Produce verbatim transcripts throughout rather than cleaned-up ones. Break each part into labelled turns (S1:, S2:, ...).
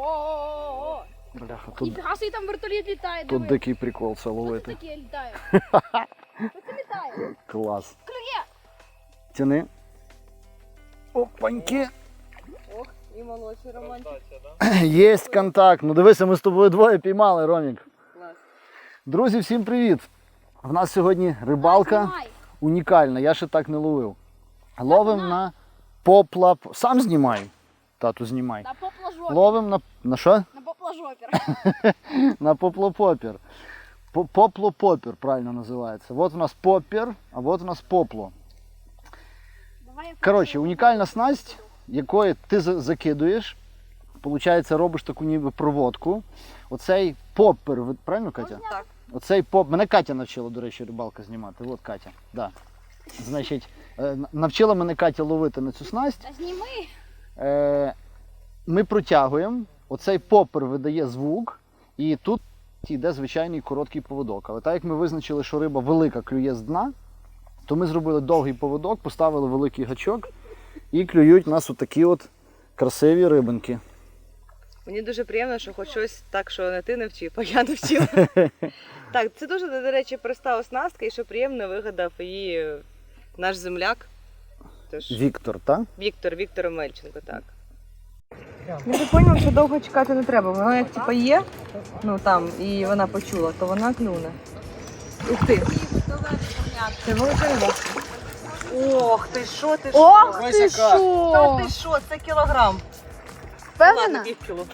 S1: О-о-о-о-о!
S2: Бляха, тут,
S1: Ніфіга собі там вертоліт літає,
S2: тут
S1: диви.
S2: дикий прикол це
S1: Що це
S2: ловити.
S1: таке літає? Що це літає?
S2: Клас.
S1: Клює!
S2: Тяни. Опаньки.
S1: Ох, і молодший романтик.
S2: Єсть контакт. Ну дивися, ми з тобою двоє піймали, Ромік.
S1: Клас.
S2: Друзі, всім привіт. В нас сьогодні рибалка
S1: Знімай.
S2: унікальна, я ще так не ловив. Ловим на попла... Сам знімай. Тату, знімай.
S1: На поплажопір.
S2: Ловим на... На що?
S1: На поплажопір.
S2: На поплопопір. По- Поплопопір правильно називається. От у нас попір, а от у нас попло.
S1: Давай я
S2: Коротше, унікальна снасть, якою ти за- закидуєш, получається, робиш таку ніби проводку. Оцей попер, ви- правильно, Катя?
S1: Так.
S2: Оцей поп... Мене Катя навчила, до речі, рибалка знімати. От Катя. Да. Значить, е, навчила мене Катя ловити на цю снасть.
S1: Та зніми.
S2: Е, Ми протягуємо, оцей попер видає звук, і тут йде звичайний короткий поводок. Але так як ми визначили, що риба велика клює з дна, то ми зробили довгий поводок, поставили великий гачок і клюють у нас отакі от красиві рибинки.
S3: Мені дуже приємно, що хоч щось так, що не ти не вчив, а я не вчила. Так, це дуже, до речі, проста оснастка і що приємно вигадав її наш земляк. Тож,
S2: Віктор, так?
S3: Віктор, Віктор Омельченко, так. Я так зрозумів, що довго чекати не треба. Вона як типа є, ну там, і вона почула, то вона клюне. Ух ти! Це велика риба. Ох, ти що, ти що?
S1: Ох ти
S3: Та
S1: що!
S3: ти що, це кілограм.
S1: Впевнена?
S3: Ладно, пів кіло.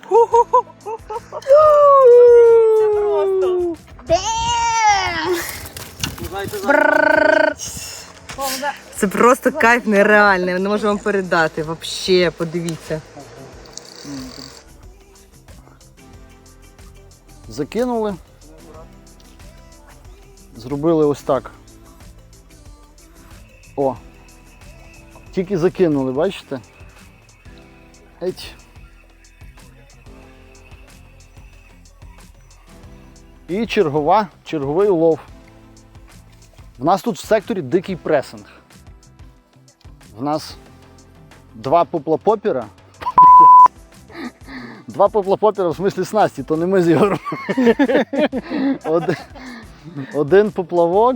S3: Це просто. Це просто кайф нереальний, не можу вам передати. Вообще, подивіться.
S2: Закинули. Зробили ось так. О! Тільки закинули, бачите? Еть. І чергова, черговий улов. В нас тут в секторі дикий пресинг. В нас два поплапопіра. Два поплапопіра в смислі снасті, то не ми з Ігорем. Один, один поплавок.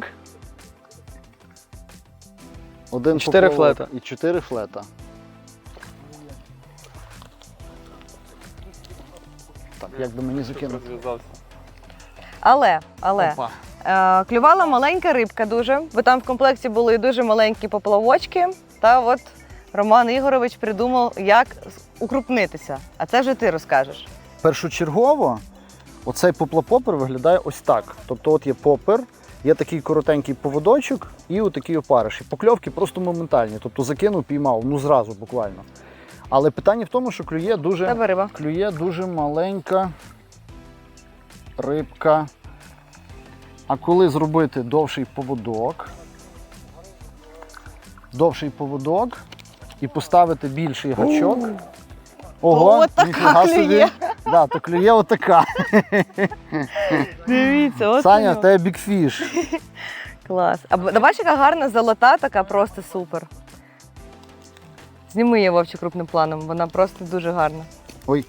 S2: Один
S4: Чотири
S2: поплавок
S4: флета.
S2: І чотири флета. Так, як би мені закинути?
S3: Але, але,
S2: Опа.
S3: е, клювала маленька рибка дуже, бо там в комплекті були дуже маленькі поплавочки. Та от Роман Ігорович придумав, як укрупнитися. А це вже ти розкажеш.
S2: Першочергово оцей поплапопер виглядає ось так. Тобто от є попер, є такий коротенький поводочок і отакий опариш. І покльовки просто моментальні. Тобто закинув, піймав, ну зразу буквально. Але питання в тому, що клює дуже,
S3: Тебе риба.
S2: клює дуже маленька рибка. А коли зробити довший поводок, довший поводок і поставити більший гачок, ого,
S3: О, така
S2: ніфіга собі.
S3: клює.
S2: Да, то клює отака.
S3: Дивіться, от
S2: Саня,
S3: воно.
S2: в тебе бікфіш.
S3: Клас. А б- бачиш, яка гарна золота, така просто супер. Зніми її, Вовчик, крупним планом, вона просто дуже гарна.
S2: Ой.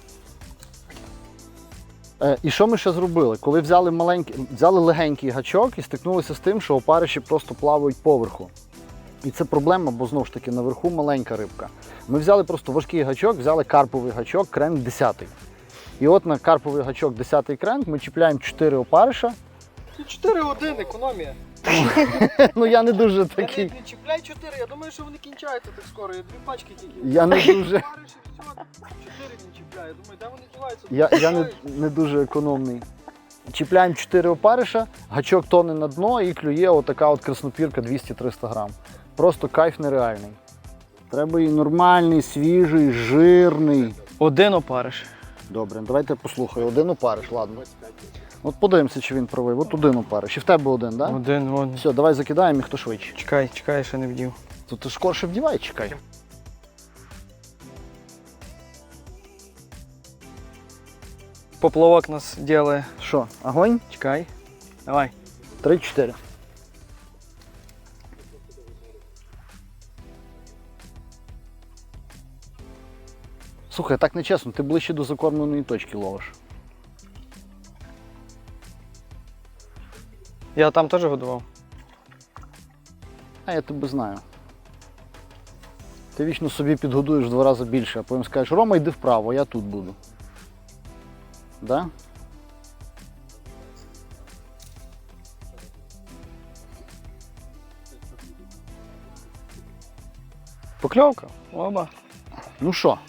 S2: Е, і що ми ще зробили? Коли взяли маленький, взяли легенький гачок і стикнулися з тим, що опариші просто плавають поверху. І це проблема, бо знову ж таки наверху маленька рибка. Ми взяли просто важкий гачок, взяли карповий гачок, кренк десятий. І от на карповий гачок десятий кренк ми чіпляємо чотири опариша.
S4: чотири один, економія.
S2: Ну я не дуже
S4: Я не
S2: такий.
S4: не чіпляй чотири, я думаю, що вони кінчаються так скоро. Я дві пачки тільки.
S2: Я не дуже.
S4: Париш і все, чотири він чіпляє. Думаю, де вони діваються?
S2: Я, я не, не дуже економний. Чіпляємо чотири опариша, гачок тоне на дно і клює отака от краснопірка двісті-триста грам. Просто кайф нереальний. Треба і нормальний, свіжий, жирний.
S4: Один опариш.
S2: Добре, давайте послухаю. Один опариш, ладно. От подивимося, чи він правий. От один опариш. І в тебе один, так? Да?
S4: Один, вон.
S2: Все, давай закидаємо і хто швидше.
S4: Чекай, чекай, ще не вдів.
S2: То ти скорше вдівай, чекай.
S4: Поплавок нас ділає.
S2: Що, огонь?
S4: Чекай. Давай.
S2: Три-чотири. Слухай, так нечесно, ти ближче до закормленої точки ловиш.
S4: Я там теж годував.
S2: А я тебе знаю. Ти вічно собі підгодуєш в два рази більше, а потім скажеш, Рома, йди вправо, я тут буду. Да?
S4: Покльовка? Оба.
S2: Ну що?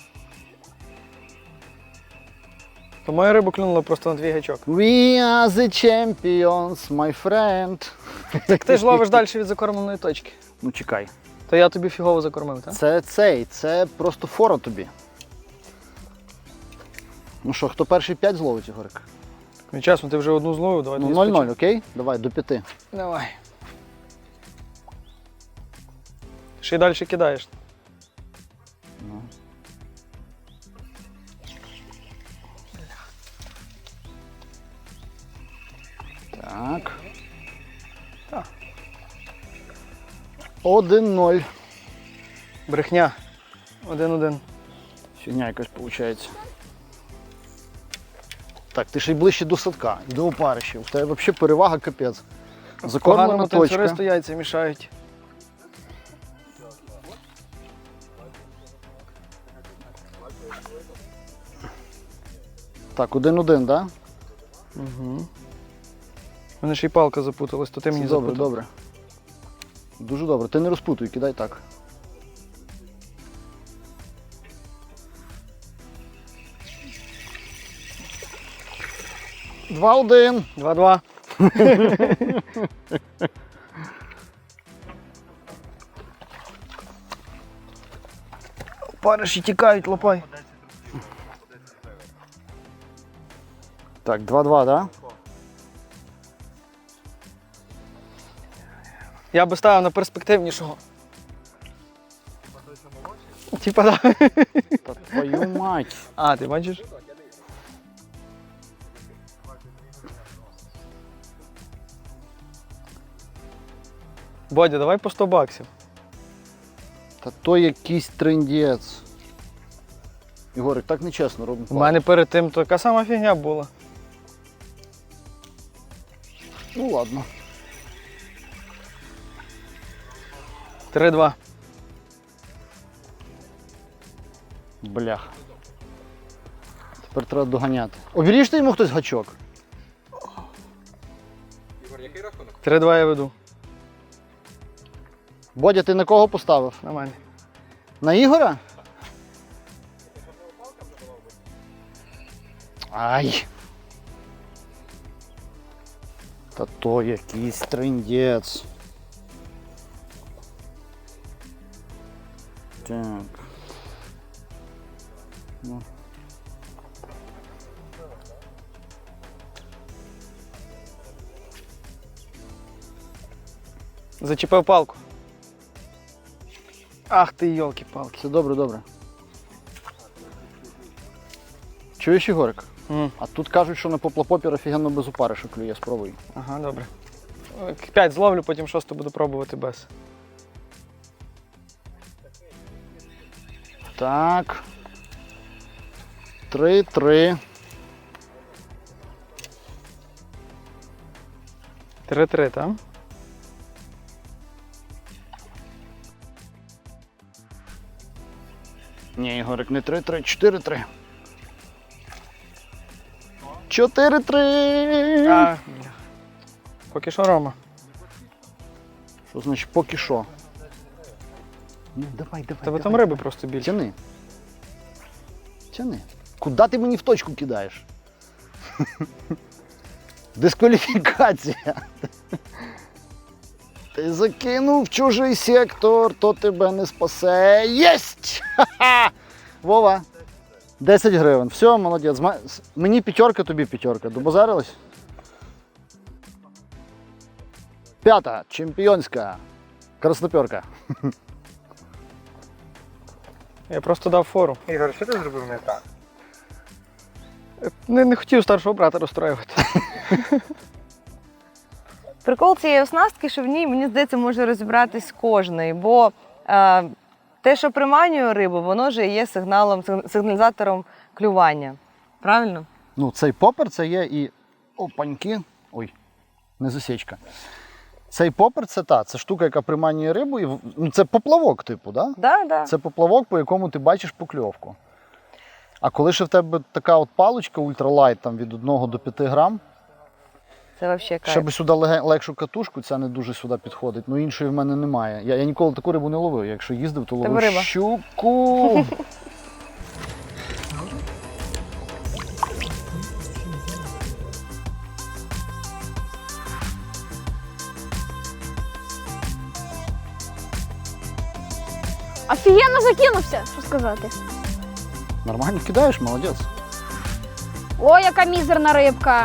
S4: То моя риба клюнула просто на твій гачок.
S2: We are the champions, my friend.
S4: Так ти ж ловиш далі від закормленої точки.
S2: Ну чекай.
S4: То я тобі фігово закормив, так?
S2: Це цей, це просто фора тобі. Ну що, хто перший п'ять зловить, Ігорик?
S4: Ну чесно, ти вже одну зловив, давай
S2: Ну
S4: тоді
S2: нуль-нуль,
S4: спочатку.
S2: окей? Давай, до п'яти.
S4: Давай. Ще й далі кидаєш.
S2: Ну. Так.
S4: Так.
S2: Один-ноль.
S4: Брехня. Один-один.
S2: Фігня якась виходить. Так, ти ще й ближче до садка і до опарища. У тебе взагалі перевага капець. Закормлена
S4: Поганому
S2: точка.
S4: танцюристу яйця мішають.
S2: Так, один-один, так?
S4: Угу. У мене ще й палка запуталась, то ти мені
S2: Добре,
S4: запутав.
S2: добре. Дуже добре. Ти не розпутуй, кидай так. Два-один.
S4: Два-два. Париші тікають, лопай.
S2: Так, два-два, так?
S4: Я би ставив на перспективнішого. Типа, да.
S2: Та твою мать.
S4: А, ти бачиш? Бодя, давай по сто баксів.
S2: Та то якийсь трындець. Ігорик, так нечесно робимо.
S4: У мене перед тим така сама фігня була.
S2: Ну ладно.
S4: Три-два.
S2: Блях. Тепер треба доганяти. Оберіжте йому хтось гачок.
S4: Три-два я веду.
S2: Бодя, ти на кого поставив?
S4: На мене.
S2: На Ігора? Ай. Та то якийсь трындець. Так. Ну.
S4: Зачепив палку. Ах ти, йолки-палки.
S2: Все добре, добре. Чуєш, Ігорик?
S4: М.
S2: А тут кажуть, що на поплапопір офігенно без опариша клює, спробуй.
S4: Ага, добре. П'ять зловлю, потім шосту буду пробувати без.
S2: Так. Три-три.
S4: Три-три, так?
S2: Ні, Ігорик, не три-три, чотири-три. Чотири-три.
S4: А, бля. Поки що Рома.
S2: Що значить поки що? Ну, давай, давай.
S4: Тебе
S2: давай.
S4: там риби просто більше.
S2: Тяни. Тяни. Куди ти мені в точку кидаєш? Дискваліфікація. Ти закинув в чужий сектор, то тебе не спасе. Єсть! Ха-ха! Вова. десять гривень. Все, молодець. Ма- с- Мені п'ятерка, тобі п'ятерка. Добазарились? П'ята. Чемпіонська. Красноперка.
S4: Я просто дав фору.
S5: Ігор, що ти зробив не так?
S4: Не, не хотів старшого брата розстроювати.
S3: Прикол цієї оснастки, що в ній, мені здається, може розібратись кожний, бо е, те, що приманює рибу, воно ж і є сигналом, сигналізатором клювання. Правильно?
S2: Ну, цей попер це є і опаньки. Ой, не засічка. Цей попер це та, це штука, яка приманює рибу. І, в- ну, це поплавок, типу, да?
S3: Да, да.
S2: Це поплавок, по якому ти бачиш покльовку. А коли ще в тебе така от паличка ультралайт там, від одного до п'яти грам,
S3: Це взагалі кайф.
S2: ще би сюди леге- легшу катушку, ця не дуже сюди підходить. Ну іншої в мене немає. Я, я ніколи таку рибу не ловив. Я Якщо їздив, то
S3: Тебе
S2: ловив
S3: риба.
S2: щуку.
S1: Офігенно закинувся, що сказати.
S2: Нормально кидаєш, молодець.
S1: О, яка мізерна рибка.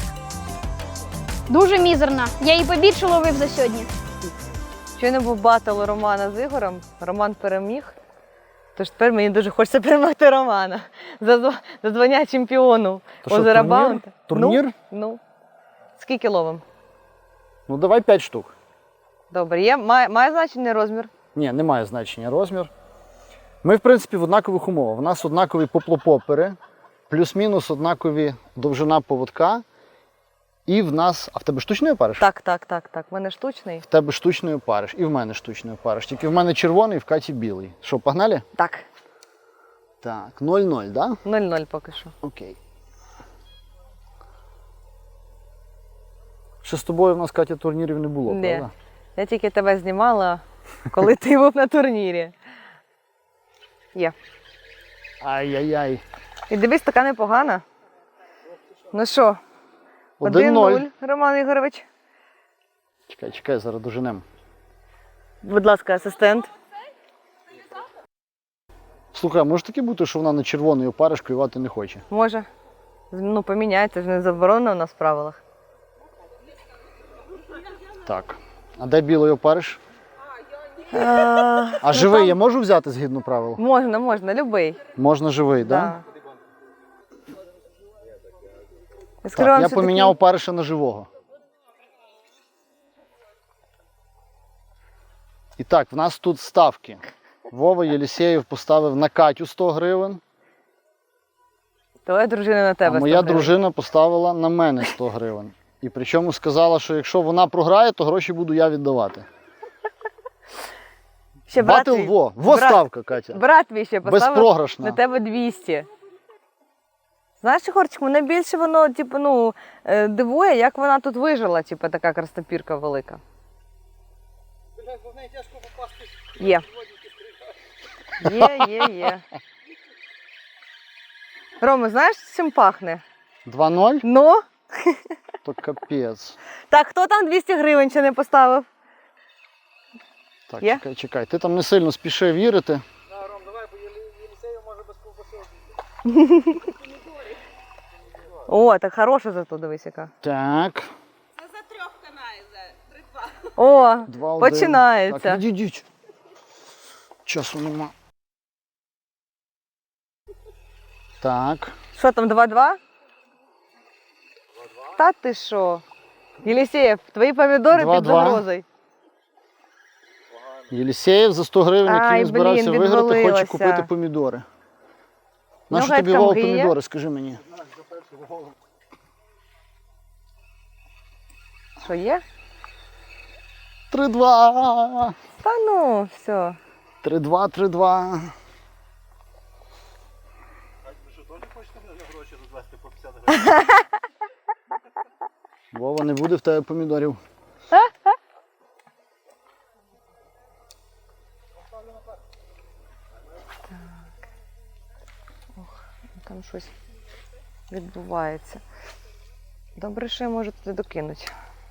S1: Дуже мізерна. Я її побільше ловив за сьогодні.
S3: Щойно був батл Романа з Ігорем. Роман переміг. Тож тепер мені дуже хочеться перемогти Романа. За, зв- за звання чемпіону
S2: То що,
S3: озера
S2: турнір?
S3: Баунти.
S2: Турнір?
S3: Ну, ну. Скільки ловим?
S2: Ну давай п'ять штук.
S3: Добре. Є, має, має значення розмір?
S2: Ні, немає значення розмір. Ми, в принципі, в однакових умовах. У нас однакові поплопопери, плюс-мінус однакові довжина поводка. І в нас. А в тебе штучний опариш?
S3: Так, так, так, так. У мене штучний.
S2: В тебе штучний опариш. І в мене штучний опариш. Тільки в мене червоний, в Каті білий. Що, погнали?
S3: Так.
S2: Так, нуль-нуль, так? Да?
S3: нуль-нуль поки що.
S2: Окей. Ще з тобою в нас, Катя, турнірів не було,
S3: Ні.
S2: правда?
S3: Я тільки тебе знімала, коли ти був на турнірі. Є.
S2: Ай-яй-яй.
S3: І дивись, така непогана. Ну що,
S2: Один-нуль.
S3: один-нуль, Роман Ігорович.
S2: Чекай, чекай, зараз доженемо.
S3: Будь ласка, асистент.
S2: Слухай, а може таке бути, що вона на червоний опариш клювати не хоче?
S3: Може. Ну, поміняється, ж не заборонено у нас в правилах.
S2: Так. А де білий опариш?
S3: А,
S2: А живий я можу взяти згідно правил?
S3: можна, можна, любий.
S2: Можна живий, так? Да?
S3: Да. Я скажу
S2: Так,
S3: вам,
S2: я
S3: що
S2: поміняв
S3: такий-
S2: опариша на живого. І так, в нас тут ставки. Вова Єлісєєв поставив на Катю сто гривень,
S3: Твоя дружина на
S2: а
S3: тебе.
S2: моя
S3: сто гривень.
S2: дружина поставила на мене сто гривень. І причому сказала, що якщо вона програє, то гроші буду я віддавати.
S3: Ще брат
S2: Батл
S3: твій-
S2: во. Во
S3: брат-
S2: ставка, Катя.
S3: Брат твій ще поставив
S2: Безпрограшна.
S3: на тебе двісті. Знаєш, Ігорчик, мене більше воно, типу, ну, е, дивує, як вона тут вижила, типу, така крастопірка велика. Є. Є, є, є. Рома, знаєш, чим пахне?
S2: два-ноль?
S3: Ну?
S2: То капець.
S3: Так, хто там двісті гривень ще не поставив?
S2: Так,
S3: Є?
S2: чекай, чекай. Ти там не сильно спіши вірити.
S3: О, так хороша зато, дивись яка.
S2: Так.
S3: О,
S2: Два-один.
S3: починається.
S2: Так, відійдіть. Часу нема. Так.
S3: Що там, два-два? Та ти що? Єлісєєв, твої помідори під
S2: Два-два.
S3: загрозою.
S2: Єлісєєв за сто гривень, який
S3: Ай,
S2: не збирався
S3: блін,
S2: виграти, хоче
S3: відвалилося.
S2: купити помідори.
S3: Ну,
S2: Нащо
S3: геть
S2: тобі
S3: там
S2: Вова
S3: гріє.
S2: помідори, скажи мені.
S3: Що є?
S2: Три-два.
S3: Та ну, все.
S2: Три-два, три-два. Вова, не буде в тебе помідорів.
S3: Там щось відбувається. Добре, що я можу туди докинути.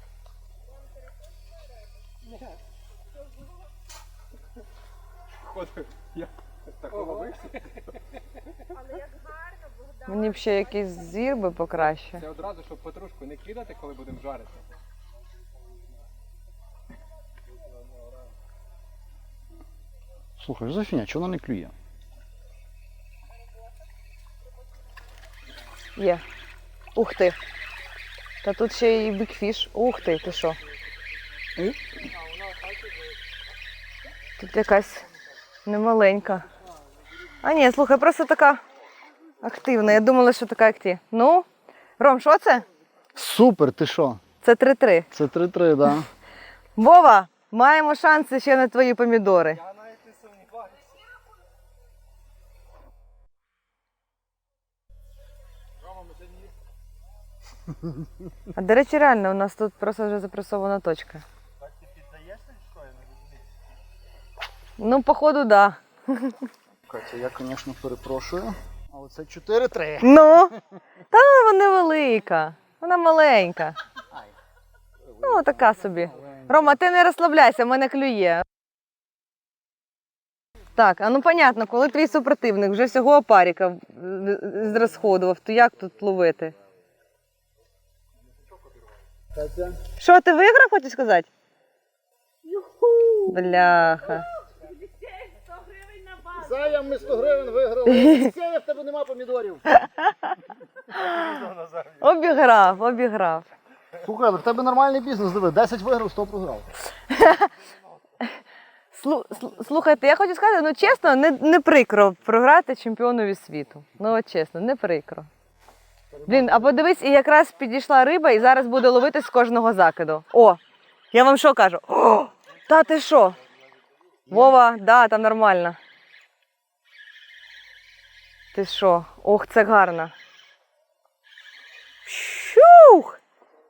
S3: Мені б ще якийсь зір би покраще.
S5: Це одразу, щоб петрушку не кидати, коли будемо жарити.
S2: Слухай, що за фігня, чого вона не клює?
S3: Є. Ух ти. Та тут ще і бікфіш. Ух ти, ти що? Тут якась Не маленька. А ні, слухай, просто така активна. Я думала, що така, як ти. Ну, Ром, що це?
S2: Супер, ти що?
S3: Це три-три.
S2: Це три-три, так. Да.
S3: Вова, маємо шанси ще на твої помідори. А до речі, реально, у нас тут просто вже запресована точка. Так ти піддаєшся, що я не розумію? Ну, походу, так. Да.
S2: Катя, я, звісно, перепрошую, але це чотири-три.
S3: Ну, та вона невелика, вона маленька. Ну, така собі. Рома, ти не розслабляйся, в мене клює. Так, а ну понятно, коли твій супротивник вже всього опаріка зрозходував, то як тут ловити?
S2: Катя.
S3: Що, ти виграв, хочеш сказати? Бляха.
S2: Зая, ми сто гривень виграли. Сея, в тебе нема помідорів.
S3: Обіграв, обіграв.
S2: Слухай, але в тебе нормальний бізнес, диви, десять виграв, сто програв.
S3: Слу- слу- Слухайте, я хочу сказати, ну чесно, не, не прикро програти чемпіонові світу. Ну от чесно, не прикро. Блін, а подивись, і якраз підійшла риба і зараз буде ловити з кожного закиду. О, я вам що кажу? О, та ти що? Вова, да, там нормально. Ти що? Ох, це гарно. Щух!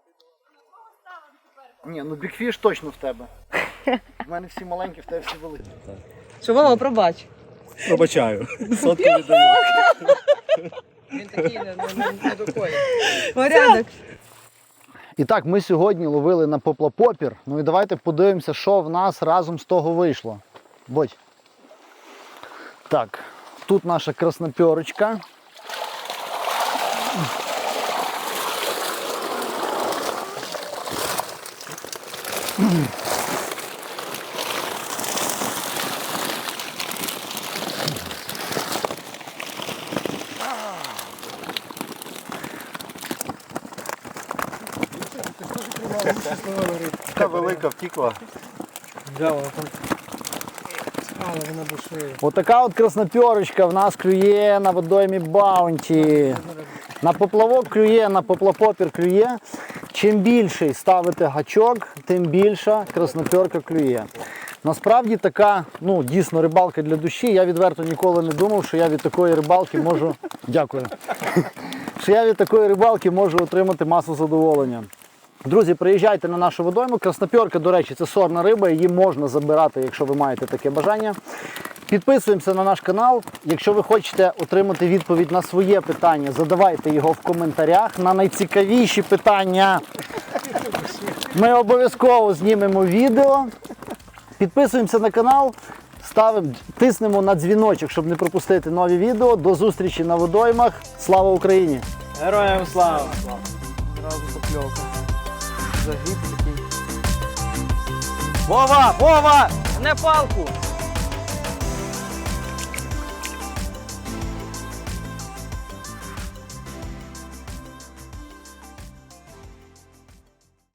S2: Ні, ну бікфіш точно в тебе. В мене всі маленькі, в тебе всі великі.
S3: Що, Вова, пробач.
S6: Пробачаю. Сотку віддаю.
S4: Він такий не, не, не докоє.
S3: Порядок.
S2: І так, ми сьогодні ловили на поплапопір. Ну і давайте подивимося, що в нас разом з того вийшло. Будь. Так, тут наша краснопьорочка.
S6: Така велика втікла.
S4: Да, вона там. Але вона душеє.
S2: Отака от краснопьорочка в нас клює на водоймі Баунті. На поплавок клює, на поплапопір клює. Чим більший ставите гачок, тим більша краснопьорка клює. Насправді така, ну, дійсно рибалка для душі. Я відверто ніколи не думав, що я від такої рибалки можу. Дякую. Що я від такої рибалки можу отримати масу задоволення. Друзі, приїжджайте на нашу водойму. Краснопьорка, до речі, це сорна риба, її можна забирати, якщо ви маєте таке бажання. Підписуємося на наш канал. Якщо ви хочете отримати відповідь на своє питання, задавайте його в коментарях. На найцікавіші питання ми обов'язково знімемо відео. Підписуємося на канал, ставимо, тиснемо на дзвіночок, щоб не пропустити нові відео. До зустрічі на водоймах. Слава Україні!
S4: Героям слава! Зразу покльовка. Загиб такий. Вова! Вова! Не палку!